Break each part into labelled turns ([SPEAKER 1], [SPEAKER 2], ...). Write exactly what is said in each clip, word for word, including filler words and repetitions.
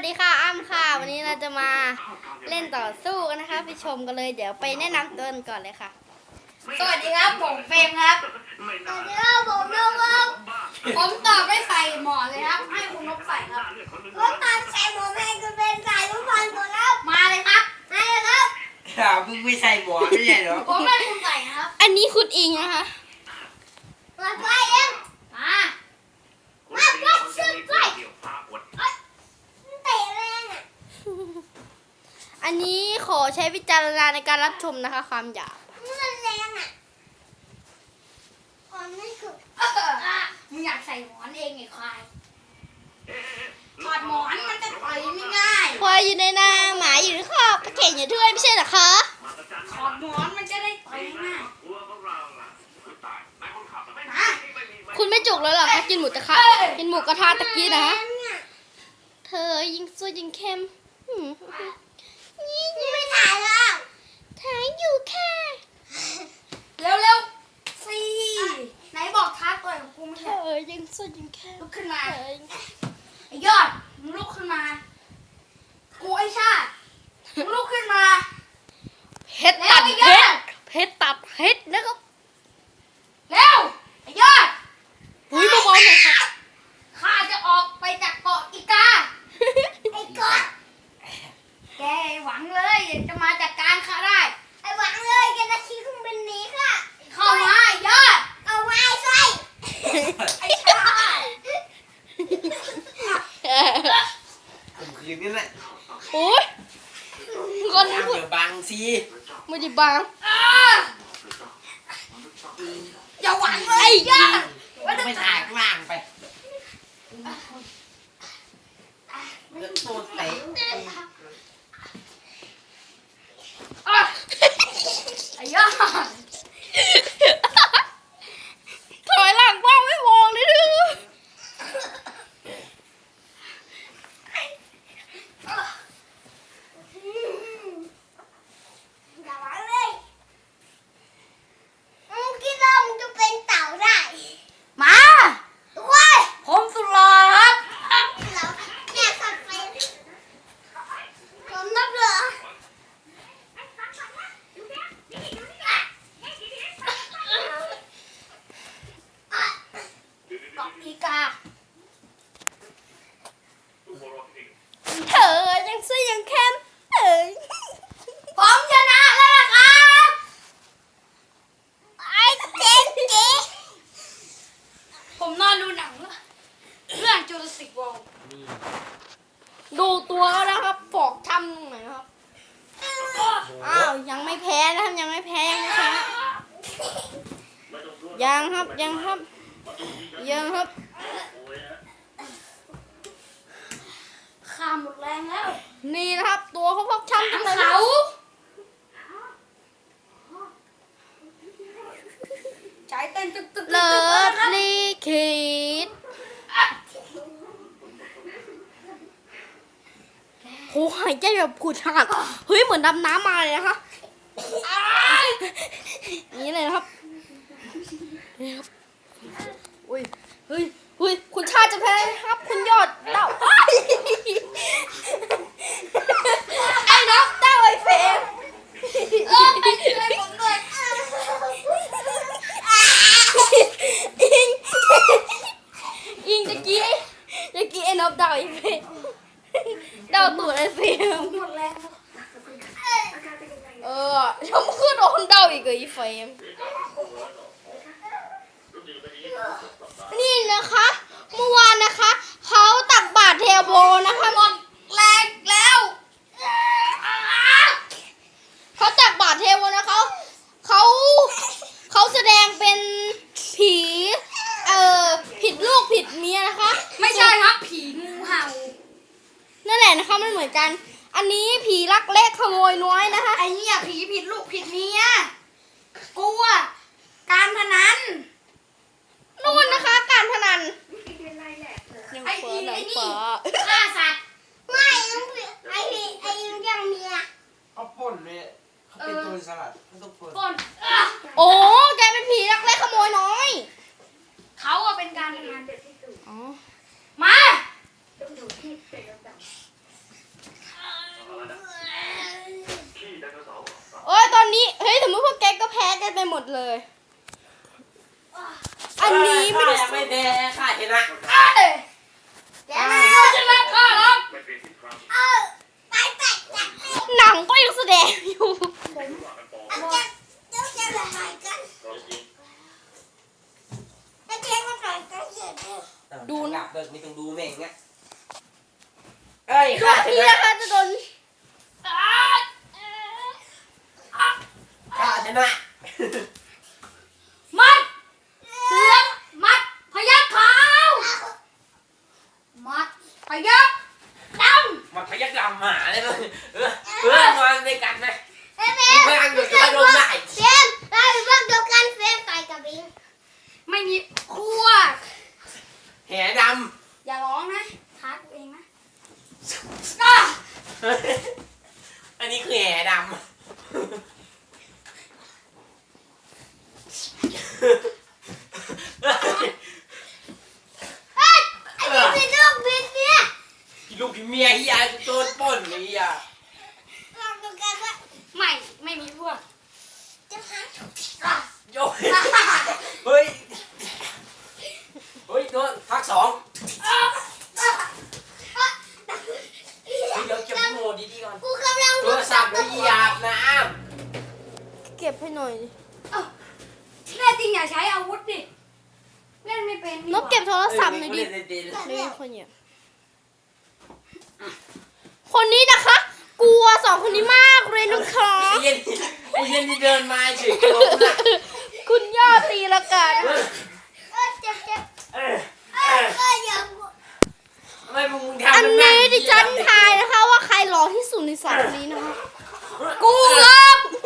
[SPEAKER 1] สดีค่ะอ้ำค่ะวันนี้เราจะมาเล่นต่อสู้กันนะคะไปชมกันเลยเดี๋ยวไปแนะนำตัวก่อนเลยค่ะสวัสดีครับผมเฟรมครับสวัสดีครับผมนกครับผมตอบได้ใส่หมอนเลยครับให้คุณนกใส่ครับผมตอบใส่หมอนให้คุณเป็นใส่ทุกคนหมดแล้วมาเลยครับมาเลยครับ
[SPEAKER 2] ข่าวมึงไม่ใส่หมอนไม่ใช่เหรอ
[SPEAKER 1] ผมให้คุณใส่นะครับอันนี้คุณอิงนะคะมาไปเองมามาไปซื้อไปอันนี้ขอใช้วิจารณญาณในการรับชมนะคะความหยาบมันแรงอ่ะมันไม่คือมึงอยากใส่หมอนเองไงควายถอดหมอนมันจะต่อยไม่ง่ายควายอยู่ในนาหมาอยู่ในคอกเข่งอยู่ด้วยไม่ใช่เหรอคะถอดหมอนมันจะได้ต่อยง่ายคุณไม่จุกแล้วหรอคะกินหมูกระทะกินหมูกระทะตะกี้นะเธอยิงสู้ยิงเข้มนี่ไม่ถ่ายแล้วถ่ายอยู่ค่ะเร็วเร็วสิไหนบอกท้าต่อยของกูไม่ใช่เออยิงสู้ยิงแค่ลุกขึ้นมาไอ้ยอดมึงลุกขึ้นมากูไอ้ชาติมึงลุกขึ้นมาเพชรตัดเพชรเพชรตัดเพชรนะครับเร็วไอ้ยอดหุ้ยเบาๆหน่อยค่ะข้าจะออกไปจากเกาะอีกาไอ้กอดแกหวังเลยจะมาจัดการข้าได้ไอ้หวังเลยแกจะขี่เครื่องบินหนีค่ะเข้ามายอดเอาไว้ใส่ไอ้ชาย
[SPEAKER 2] ผมคืนนี่แหละ
[SPEAKER 1] โอ้ย
[SPEAKER 2] คนเดือบางสิ
[SPEAKER 1] ไม่ได้บางอย่าหวังเลยยอด
[SPEAKER 2] ไม่ถ่ายข้างล่างไปแล้วตัวเตะ
[SPEAKER 1] ไอ้ยอดถอยหลังบ้างไม่มองเลยดูอย่าหวังเลยมึงคิดว่ามึงจะเป็นเต่าได้มาด้วยผมสุดหล่อครับแม่ขับไปผมนับเหรออีกาเธอยังซื้อยังเข้มเอ้ยผมชนะแล้วนะครับไอ้เจ๊เจ๊ผมนอนดูหนังเรื่องจูราสสิกเวิลด์ดูตัวแล้วนะครับฟอกช้ำตรงไหนครับอ้าวยังไม่แพ้นะครับยังไม่แพ้ยังไม่แพ้ยังครับยังครับยังครับข้าหมดแรงแล้วนี่นะครับตัวเขาพกช้ำทั้งเขาใจเต้นตึกตึกเลิศลิขิตโหหายใจแบบผุดฉาดเฮ้ยเหมือนดำน้ำมาเลยนะคะนี่เลยนะครับนี่ครับอุ้ยเฮ้ยเฮ้ยคุณชาติจะแพ้ครับคุณยอดเต้าไอ้น้องเต้าไอ้เฟรมเออไปช่วยผมด้วยอิงอิงตะกี้ตะกี้ไอ้น้องเต้าไอ้เฟรมเต้าตัวไอ้เฟรมหมดแล้วเออทำขึ้นโดนเต้าอีกไอ้เฟรมนี่นะคะเมื่อวานนะคะเขาตักบาตรเทโบนะคะหมดแรงแล้วเขาตักบาตรเทโบนะเขาเขาเขาแสดงเป็นผีเอ่อผิดลูกผิดเมียนะคะไม่ใช่ครับผีงูเห่านั่นแหละนะคะมันเหมือนกันอันนี้ผีลักเล็กขโมยน้อยนะคะไอ้เนี่ยผีผิดลูกผิดเมียกลัวการพนันนู่นนะคะการพนันยังเฟ้อหนังฟ้าฆ่าสัตว์ไม่ไอ้พี่ไอ้ยังยังเมีย
[SPEAKER 2] เขาป่นเลยเขาเป็นตัวสลัดเขาต้องป่น
[SPEAKER 1] ป่นโอ้แกเป็นผีรักเล็กขโมยน้อยเขาอะเป็นการพนันอ๋อมาไปหมดเลย อันนี้ไม่ได้
[SPEAKER 2] ข้ายังไม่แพ้ข้าชนะ
[SPEAKER 1] เอ้ยแกไม่รู้จะรักข้าหรอกเออไปไปจับหนังก็ยังแสดงอยู่ผมเดี๋ยวจะละลายกันแล้วเจ๊ก็ต่อยกันเยอะดู
[SPEAKER 2] หลั
[SPEAKER 1] นะ
[SPEAKER 2] บเบิกไม่ต้องดูแม่งนะเอ้ย
[SPEAKER 1] ดู
[SPEAKER 2] ข้าช
[SPEAKER 1] พี่
[SPEAKER 2] นะ
[SPEAKER 1] นะคะจะโดน
[SPEAKER 2] ข้าชนะ
[SPEAKER 1] มัดเสือมัดพยัคฆ์ขาวมัดพยัคฆ์ดำ
[SPEAKER 2] มันพยักดำหมาเลยมั้ยเออเออนอนในกันนะ
[SPEAKER 3] เฟรม
[SPEAKER 2] เพื่อนเดี๋ยวจะโดนได้
[SPEAKER 3] เฟรมเราเป็นพวกเดียวกันเฟรมต่อยกับบิง
[SPEAKER 1] ไม่มีพวก
[SPEAKER 2] แหด
[SPEAKER 1] อย่าร้องนะท้าตัวเองนะอ่ะ
[SPEAKER 2] ำอันนี้คือแหดำ
[SPEAKER 3] เฮ้ยไอ้นี่เป็นลูกบินเนี่ย
[SPEAKER 2] ลูกพี่เมียที่ยายโดนปล้นนี่อ่ะ
[SPEAKER 3] ลองดูกันว่า
[SPEAKER 1] ไม่ไม่มีพวก
[SPEAKER 3] จะหา
[SPEAKER 1] อ่ะ
[SPEAKER 2] โยนเฮ้ยเฮ้ยโดนพักสอง
[SPEAKER 1] อ่ะอ่ะ
[SPEAKER 2] เดี๋ยวเก็บโมดีดีๆก่อน
[SPEAKER 3] กูกำลัง
[SPEAKER 2] โทรศัพท์ไว้หยาบนะ
[SPEAKER 1] เก็บให้หน่อยดิแน่จริงอย่าใช้อาวุธดิเล่นไม่เป็นนกเก็บโทรศัพท์หน่อยดิ
[SPEAKER 2] เเๆ
[SPEAKER 1] นี่คนเนี่ยคนนี้นะคะ กลัวสองคนนี้มากเลยนะคะ
[SPEAKER 2] ไอ้เย็นไอ้เย็นที่เดินมาเฉยกระโดดนะ
[SPEAKER 1] คุณย่าตีละกัน
[SPEAKER 2] เออ
[SPEAKER 3] เออเจ็บเจ็บ
[SPEAKER 2] เออ
[SPEAKER 3] เออเอออย่า
[SPEAKER 2] ทำไมมึงทำ
[SPEAKER 1] อัน
[SPEAKER 2] แบบ
[SPEAKER 1] นี้ดิฉันทายนะคะว่าใครหล่อที่สุดในสองนี้นะคะ กูครับ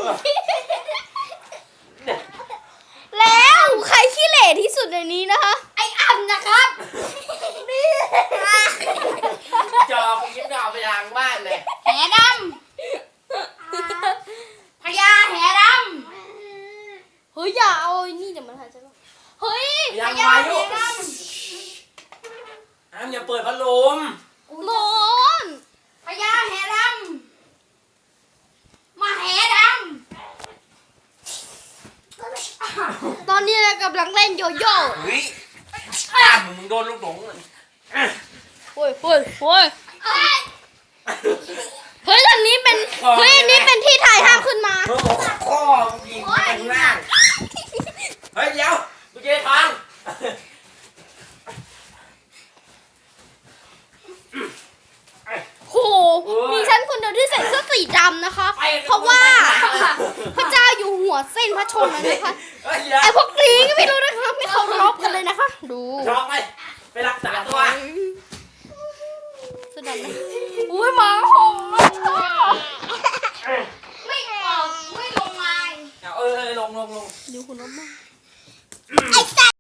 [SPEAKER 1] แล้วใครขี้เหร่ที่สุดในนี้นะคะ ไอ้อ่ำนะครับนี่
[SPEAKER 2] จอกูยิ้มดาวไปทางบ้านเลย
[SPEAKER 1] แหดำพญาแหดำเฮ้ยอย่าเอาไอ้นี่เดี๋ยวมันหายใจไม่ออกเฮ้ยพ
[SPEAKER 2] ยัง
[SPEAKER 1] ญา
[SPEAKER 2] ไง
[SPEAKER 1] แห
[SPEAKER 2] ลูก
[SPEAKER 1] ด
[SPEAKER 2] อ้ามอย่าเปิดพัดลม
[SPEAKER 1] ำร้อนพญาแหดำมาแหดำตอนนี้เรากำลังเล่นโยโย่
[SPEAKER 2] เฮ้ยอ้ามมึงโดนลูกหลงเลย
[SPEAKER 1] โอ้ยโอ้ยโอ้ยเฮ้ยอันนี้เป็นเฮ้ยอันนี้เป็นที่ถ่ายห้ามขึ้นมา
[SPEAKER 2] มึงบอกข้อมึงยิงไปข้างล่างเฮ้ยเดี๋ยวกูเจอทาง
[SPEAKER 1] โหมีฉันคนเดียวที่ใส่เสื้อสีดำนะคะ เพราะว่าพระเจ้าอยู่หัวเส้นพระชนม์นะคะ
[SPEAKER 2] เฮ้ยเดี๋ยว
[SPEAKER 1] ไอพวกนี้ก็ไม่รู้นะคะไม่เคารพกันเลยนะคะ ดู
[SPEAKER 2] ช็อกไหม